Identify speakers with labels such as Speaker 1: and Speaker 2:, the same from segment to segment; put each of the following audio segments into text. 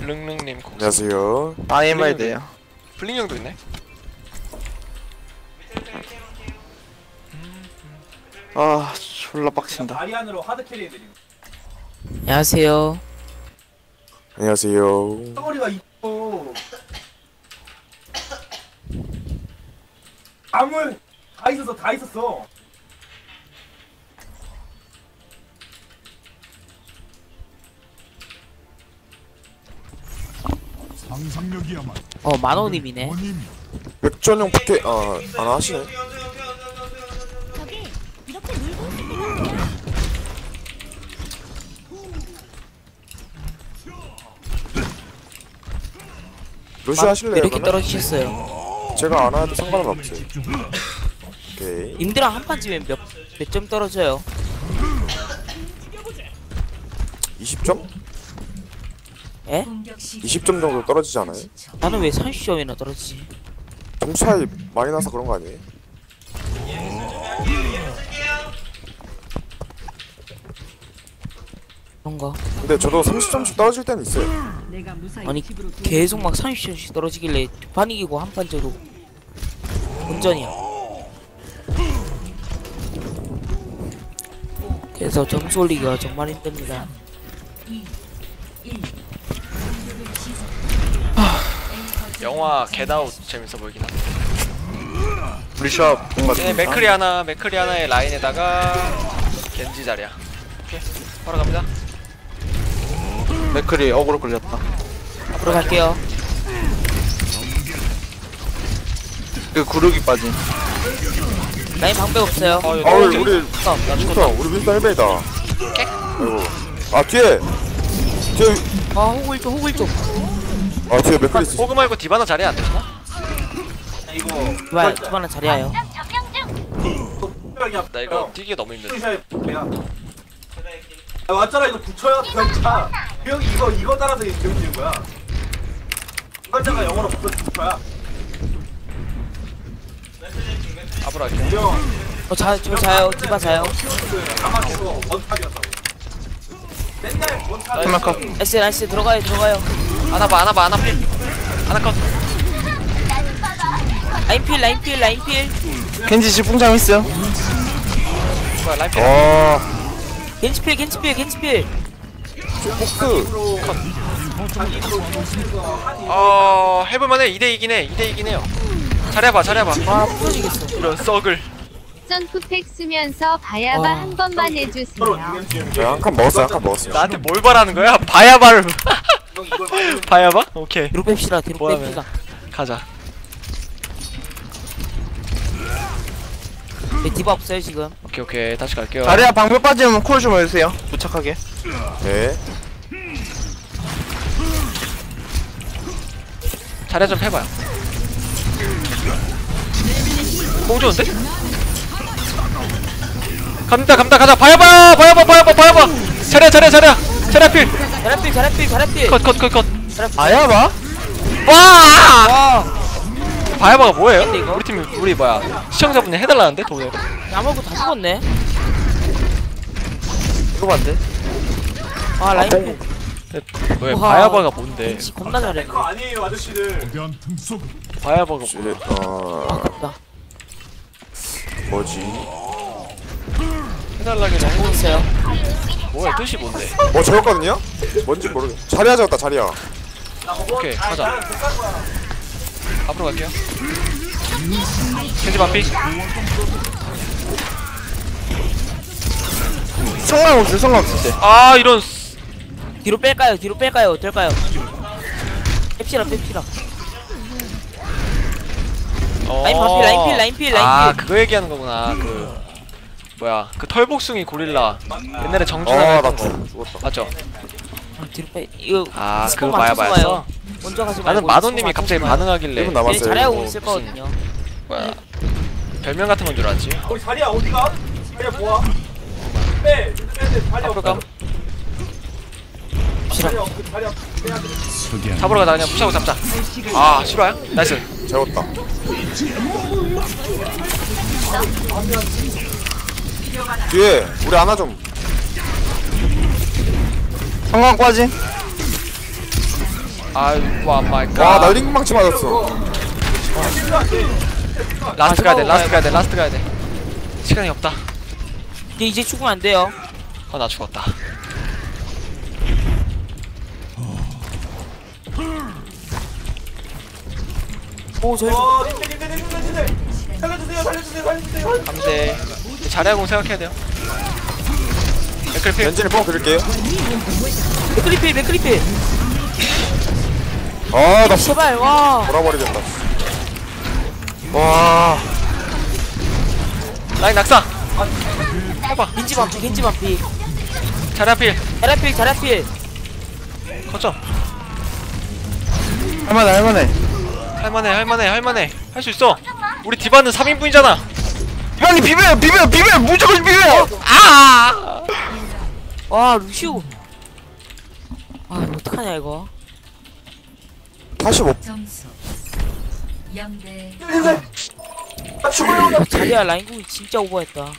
Speaker 1: 블릉릉님
Speaker 2: 안녕하세요.
Speaker 3: 아이엠아이드에요.
Speaker 1: 블링형도 있네.
Speaker 3: 아 졸라 빡친다.
Speaker 4: 아리안으로 하드 캐리 해드림.
Speaker 5: 안녕하세요.
Speaker 2: 안녕하세요.
Speaker 4: 덩어리가 있고 암을 다 있었어.
Speaker 6: 상상력이야말로
Speaker 5: 만호님이네.
Speaker 2: 백전용 포켓 안 하시네.
Speaker 7: 저기 이렇게 놀고 있습니다.
Speaker 2: 루시 하실래요?
Speaker 5: 이렇게
Speaker 2: 그러면?
Speaker 5: 떨어지셨어요.
Speaker 2: 제가 안 해도 상관은 없어요. 오케이.
Speaker 5: 님들랑 한 판 지면 몇 점 떨어져요?
Speaker 2: 20점?
Speaker 5: 에?
Speaker 2: 20점 정도 떨어지지 않아요?
Speaker 5: 나는 왜 30점이나 떨어지지?
Speaker 2: 점수 차이 많이 나서 그런 거 아니에요?
Speaker 5: 그런가?
Speaker 2: 근데 저도 30점씩 떨어질 때는 있어요.
Speaker 5: 아니 계속 막 30점씩 떨어지길래 두 판 이기고 한 판 져도 운전이야. 그래서 점수 올리기가 정말 힘듭니다.
Speaker 1: 영화 겟아웃 재밌어 보이긴 한데.
Speaker 3: 리샵 뭔가
Speaker 1: 네, 맥크리 하나의 라인에다가 겐지 자리야. 오케이, 바로 갑니다.
Speaker 3: 맥클이 어그로 걸렸다.
Speaker 5: 앞으로 갈게요.
Speaker 3: 그 구르기 빠진.
Speaker 5: 라인 방법 없어요.
Speaker 2: 우리
Speaker 1: 나
Speaker 2: 윈스턴,
Speaker 1: 죽었다.
Speaker 2: 우리 윈스턴 헬베이다. 아이고. 뒤에
Speaker 5: 호글 좀.
Speaker 2: 뒤에 맥클리 있어.
Speaker 1: 호그 말고 디바나 자리 안 되나?
Speaker 5: 말 주만은 잘해요.
Speaker 1: 나 이거 뛰기 너무 힘들어.
Speaker 4: 왔잖아. 이거 붙여야 진짜. 그 형이 이거 따라서 배우는 거야. 글자가 영어로 붙어야.
Speaker 1: 앞으로 할게.
Speaker 5: 저 자요. 디바 자요.
Speaker 4: 가만히서 원탑이었어. 맨날 원탑.
Speaker 3: 테마카.
Speaker 5: S 들어가요.
Speaker 1: 하나 필. 하나 컷.
Speaker 5: 라인 필.
Speaker 3: 켄지 씨 뿡장 있어요.
Speaker 1: 뭐야, 라인 필.
Speaker 5: 겐지 필.
Speaker 2: 포크.
Speaker 1: 해볼만해. 2대2긴 해요. 잘해봐.
Speaker 5: 아 부러지겠어.
Speaker 1: 이런 썩을.
Speaker 7: 점프팩 쓰면서 바야바
Speaker 5: 와.
Speaker 7: 한 번만 해주세요.
Speaker 2: 한 칸 먹었어요.
Speaker 1: 나한테 뭘 바라는 거야? 바야바를. 바야바? 오케이.
Speaker 5: 뒤로 뺍시다.
Speaker 1: 뭐하면. 가자.
Speaker 5: 디바 없어요 지금.
Speaker 1: 오케이. 다시 갈게요.
Speaker 3: 자리야 방벽 빠지면 콜 좀 해주세요. 무착하게.
Speaker 2: 네.
Speaker 1: 자리 좀 해봐요. 공 좋은데? 가자. 바야바. 자리야 필.
Speaker 5: 자라필.
Speaker 1: 컷.
Speaker 3: 아야봐?
Speaker 1: 와! 바야바가 뭐예요?
Speaker 5: 근데 이거?
Speaker 1: 우리 시청자분이 해달라는데 돈을.
Speaker 5: 야먹고 다 죽었네.
Speaker 3: 이거 봤대.
Speaker 5: 라인 필.
Speaker 1: 왜
Speaker 5: 우와.
Speaker 1: 바야바가 뭔데?
Speaker 5: 겐지 겁나 잘해.
Speaker 4: 그거 아니에요, 아저씨들.
Speaker 6: 거대한 틈 속
Speaker 1: 바야바가 뭐야?
Speaker 5: 아깝다.
Speaker 2: 뭐지?
Speaker 1: 해달라길래
Speaker 5: 공 있어요.
Speaker 1: 뭐야 뜻이 뭔데?
Speaker 2: 재웠거든요? 뭔지 모르겠어. 자리야 재웠다, 자리야.
Speaker 1: 오케이 가자. 앞으로 갈게요. 겐지 반피.
Speaker 3: 성광 없을 때.
Speaker 1: 이런.
Speaker 5: 뒤로 뺄까요? 어떨까요? 뺍시다. 라인 필.
Speaker 1: 그거 얘기하는 거구나. 그 털복숭이 고릴라 옛날에 정준하
Speaker 2: 나
Speaker 1: 했던 거
Speaker 2: 죽었다.
Speaker 1: 맞죠?
Speaker 5: 뒤로 빼. 이거
Speaker 1: 그거
Speaker 5: 맞춰서
Speaker 1: 바야바였어?
Speaker 5: 가요. 먼저 가지 말고.
Speaker 1: 나는 마도님이
Speaker 5: 스폰
Speaker 1: 갑자기
Speaker 5: 맞춰서 가요.
Speaker 1: 반응하길래
Speaker 2: 1분 남았어요.
Speaker 5: 잘하고 있을 거거든요.
Speaker 1: 뭐야 별명 같은 건 줄 알았지.
Speaker 4: 우리 자리야 어디가? 자리야 뭐야? 빼. 자리야
Speaker 1: 앞으로 가.
Speaker 4: 자리야 빼야 돼.
Speaker 1: 잡으러 가자. 그냥 무시하고 잡자. 실화야? 나이스.
Speaker 2: 재웠다. 뒤에 우리 하나 좀.
Speaker 3: 성광 빠짐.
Speaker 1: 아이고 마이
Speaker 2: 와,
Speaker 1: 갓.
Speaker 2: 나 링망치 맞았어.
Speaker 1: 라스트 가야 돼. 라스트 가야 돼. 시간이 없다.
Speaker 5: 이제 죽으면 안 돼요.
Speaker 1: 나 죽었다.
Speaker 5: 오 저희
Speaker 4: 살려주세요.
Speaker 1: 감대. 자리하고 생각해야 돼요. 맥클필.
Speaker 2: 렌즈를 뻥 드릴게요.
Speaker 5: 맥크리필.
Speaker 2: 아, 나
Speaker 5: 제발 와.
Speaker 2: 돌아버리겠다.
Speaker 3: 와.
Speaker 1: 라인 낙사. 해봐.
Speaker 5: 겐지 반피.
Speaker 1: 자리필.
Speaker 5: 자라필.
Speaker 1: 거점.
Speaker 3: 할만해.
Speaker 1: 할만해. 할 수 있어. 우리 디바는 3인분이잖아.
Speaker 3: 형님 비벼요 무조건 비벼요.
Speaker 1: 아!
Speaker 5: 와 루시오. 아 이거 어떡하냐 이거.
Speaker 2: 45.
Speaker 8: 점수 0대
Speaker 5: 자리야 라인공이 진짜 오버했다.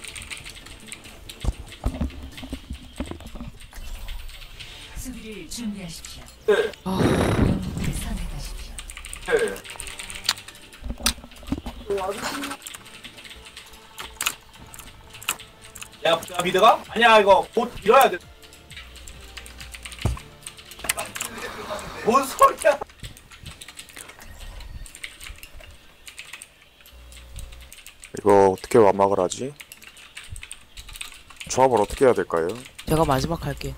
Speaker 8: 수비를 준비하십시오.
Speaker 4: 네.
Speaker 8: 영웅을 선택하십시오.
Speaker 4: 야 미드가? 아니야 이거 곧 밀어야 돼. 뭔 소리야?
Speaker 2: 이거 어떻게 완막을 하지? 조합을 어떻게 해야 될까요?
Speaker 5: 제가 마지막 할게.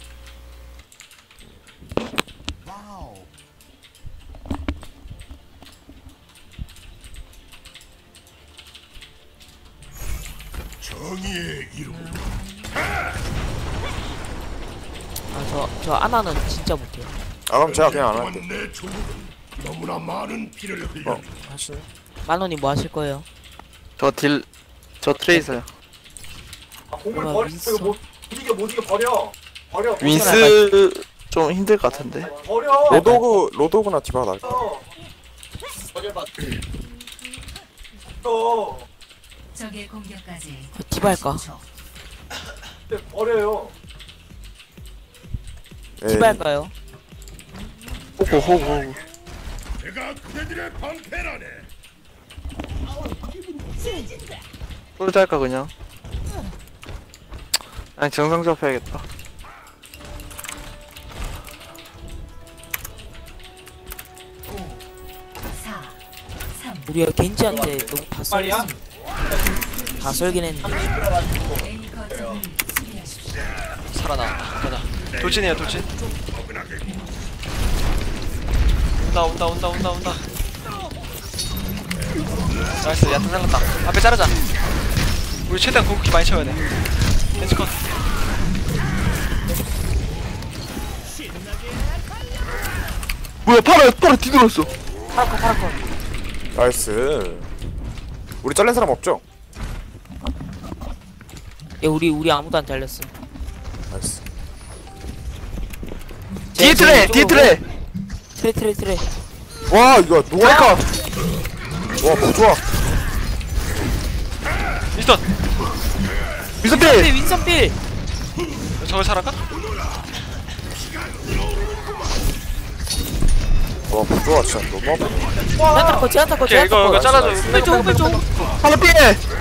Speaker 6: 정의의 이름.
Speaker 5: 저 아나는 진짜 못해요.
Speaker 2: 아, 그럼 제가 그냥 안 할게.
Speaker 6: 내 조국은 너무나 많은 피를 흘려.
Speaker 2: 하시네.
Speaker 5: 만원이 뭐 하실 거예요?
Speaker 3: 저 트레이서요.
Speaker 4: 공을
Speaker 5: 와,
Speaker 4: 버려.
Speaker 5: 윈스.
Speaker 4: 이거 못 이겨 버려.
Speaker 3: 윈스 좀 힘들 것 같은데.
Speaker 4: 버려.
Speaker 2: 로도그나 디바가 나을 것
Speaker 4: 버려봐. 또
Speaker 8: 적의 공격까지
Speaker 5: 디바 할까?
Speaker 4: 버려요.
Speaker 5: 디바 할까요?
Speaker 3: 호구.
Speaker 6: 내가 그대들의 방패라네.
Speaker 3: 솔드 할까 그냥? 아니 정상 접해야겠다.
Speaker 8: 4 3
Speaker 5: 우리가 겐지한테 너무 다
Speaker 4: 빨리야?
Speaker 5: 다 썰긴 했는데.
Speaker 8: A 거점을 수비하십시오.
Speaker 1: 살아나왔다. 가자. 돌진이에요, 돌진. 온다. 나이스, 야탄 살렸다. 앞에 자르자. 우리 최대한 궁극기 많이 채워야 돼. 벤치 컷.
Speaker 3: 뭐야 파라 뒤돌았어.
Speaker 5: 파라컷.
Speaker 2: 나이스. 우리 잘린 사람 없죠?
Speaker 5: 야 우리 아무도 안 잘렸어.
Speaker 2: 나이스.
Speaker 3: 뒤에 트레.
Speaker 5: 트레.
Speaker 2: 와, 이거 노알까? 와, 뭐 좋아.
Speaker 1: 미스턴!
Speaker 3: 미스필.
Speaker 5: 윈선필.
Speaker 1: 저걸 살아가?
Speaker 2: 와, 뭐 좋아. 진짜 너무 아파.
Speaker 5: 제한타컷.
Speaker 1: 오케이, 이거 잘라줘.
Speaker 5: 왼쪽.
Speaker 3: 하나 필.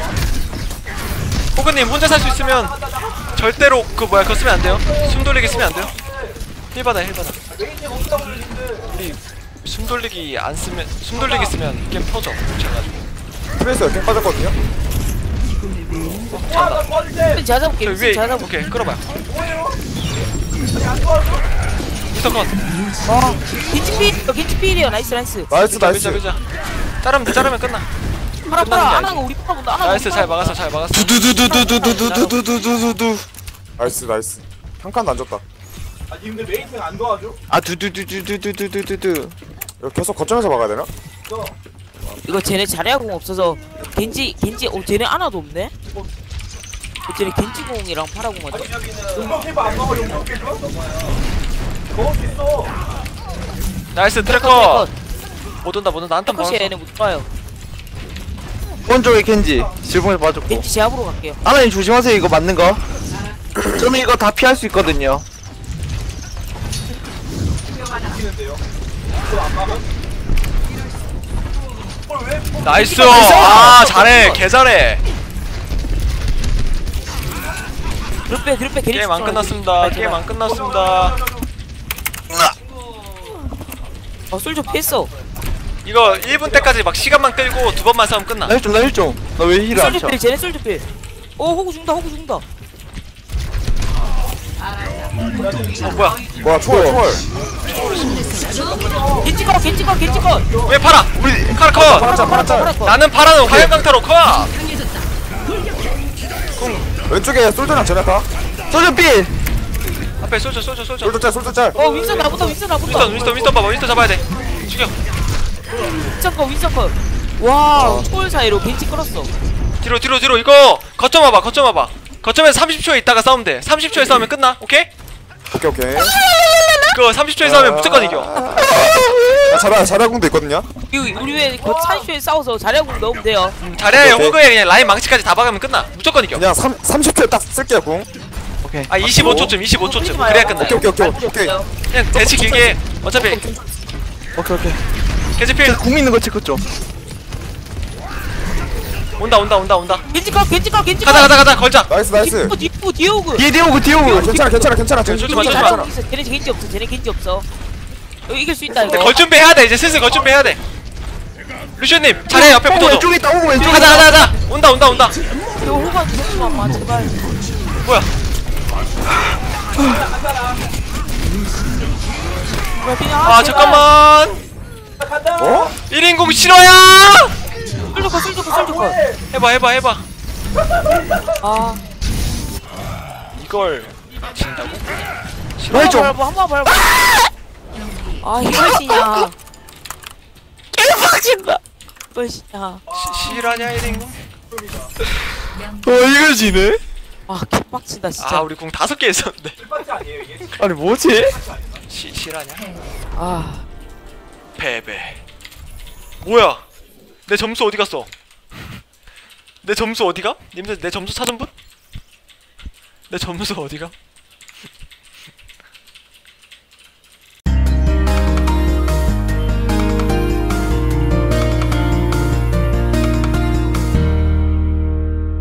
Speaker 1: 호그님 혼자 살 수 있으면 절대로 그거 쓰면 안 돼요. 숨 돌리기 쓰면 안 돼요. 힐 받아. 우리 숨 돌리기 쓰면 게임 터져. 뭉쳐가지고.
Speaker 2: 프레스 이렇게 빠졌거든요?
Speaker 5: 제가 잡을게.
Speaker 1: 저 위에,
Speaker 5: 제가 잡을게.
Speaker 1: 오케이, 끌어봐요. 미스터 컷.
Speaker 5: 겐지필이요. 나이스.
Speaker 2: 나이스.
Speaker 1: 밀자. 자르면 끝나.
Speaker 5: 파라 안하고 우리 파라 본다.
Speaker 1: 나이스, 잘 막았어.
Speaker 3: 두두두두두두두두두두두두.
Speaker 2: 나이스. 한 칸도 안 줬다.
Speaker 4: 아 님들 메이팅 안 도와줘?
Speaker 3: 아 두두두두두두두두두.
Speaker 2: 이거 계속 거점에서 막아야 되나?
Speaker 5: 이거 쟤네 자리아공 없어서 겐지 쟤네 하나도 없네? 쟤네 겐지공이랑 파라공만
Speaker 4: 아니 여기는 용병 안 먹어 용병 캐봐? 먹을 수 있어.
Speaker 1: 나이스, 트래커. 못 온다. 한탄
Speaker 5: 컷이
Speaker 1: 먹었어.
Speaker 5: 얘네 못 봐요.
Speaker 3: 오른쪽에 겐지 질풍에 빠졌고.
Speaker 5: 겐지 제압으로 갈게요.
Speaker 3: 하나님 조심하세요. 이거 맞는 거. 저는 이거 다 피할 수 있거든요.
Speaker 4: 이기는데요.
Speaker 1: 나이스. 아 잘해. 개 잘해.
Speaker 5: 뒤로 빼
Speaker 1: 게임 안 끝났습니다. 게임 안 끝났습니다.
Speaker 5: 솔저 피했어.
Speaker 1: 이거 1분 때까지 막 시간만 끌고 두 번만 싸우면 끝나.
Speaker 3: 나 힐 좀. 나 왜 힐을 안
Speaker 5: 솔저
Speaker 3: 쳐?
Speaker 5: 필 쟤네 솔저 필. 호구 죽는다.
Speaker 1: 뭐야?
Speaker 2: 와 초월.
Speaker 5: 겐지 컷.
Speaker 1: 왜 팔아? 우리 카라컷.
Speaker 2: 파라짤.
Speaker 1: 나는 파라는 화염 강타로 컷.
Speaker 2: 왼쪽에 솔저랑 제나타.
Speaker 3: 솔저 필.
Speaker 1: 앞에 쏘죠.
Speaker 2: 솔저짤.
Speaker 5: 윈선 나부터.
Speaker 1: 윈스턴 봐봐. 윈스턴 잡아야 돼. 죽여.
Speaker 5: 윈선 컷. 와, 초월 사이로 겐지 끌었어.
Speaker 1: 뒤로 이거 거점 와봐. 거점에서 30초에 있다가 싸우면 돼. 30초에 싸우면 끝나. 오케이?
Speaker 2: 오케이.
Speaker 1: 그거 30초에 싸우면 무조건 이겨.
Speaker 2: 자라궁도 있거든요.
Speaker 5: 우리 왜 30초에 싸워서 자리하고 넣으면 돼요.
Speaker 1: 자리에
Speaker 2: 오케이.
Speaker 1: 호그에 그냥 라인 망치까지 다 박으면 끝나. 무조건 이겨.
Speaker 2: 그냥 30초 딱 쓸게요 궁.
Speaker 3: 오케이.
Speaker 1: 아 25초쯤 그래야 끝나.
Speaker 2: 오케이.
Speaker 1: 그냥 대치 길게. 어차피
Speaker 3: 오케이.
Speaker 1: 개지필
Speaker 3: 궁 있는 거 체크 좀.
Speaker 1: 온다.
Speaker 5: 겐지 컷.
Speaker 1: 가자 걸자.
Speaker 2: 나이스.
Speaker 5: 뒤에 오그.
Speaker 3: 뒤에 오고.
Speaker 2: 괜찮아.
Speaker 1: 쏘지 마.
Speaker 5: 잘하고 있어. 쟤네 겐지 없어. 이거 이길 수 있다 이거.
Speaker 1: 걸 준비해야 돼. 이제 슬슬 걸 준비해야 돼. 루시오님 자리에 옆에 붙어줘.
Speaker 3: 왼쪽에 있다. 오고 왼쪽에.
Speaker 1: 가자. 온다.
Speaker 5: 이거 호구한테 잡지만 마 제발.
Speaker 1: 뭐야? 아 잠깐만.
Speaker 2: 어?
Speaker 1: 1인공 실화야.
Speaker 5: 솔저 컷.
Speaker 1: 해봐.
Speaker 5: 아,
Speaker 1: 이걸 진다고?
Speaker 5: 한번 밟아. 아, 이것이냐. 개빡친다. 이것이냐.
Speaker 1: 실화냐 1인공?
Speaker 3: 이걸 지네?
Speaker 5: 아, 개빡친다 진짜.
Speaker 1: 아 우리 공 5개 있었는데.
Speaker 4: 아니에요 이게?
Speaker 3: 아니 뭐지?
Speaker 1: 실화냐?
Speaker 5: 아,
Speaker 1: 패배. 뭐야? 내 점수 어디 갔어? 내 점수 어디가? 님들 내 점수 찾은 분? 내 점수 어디가?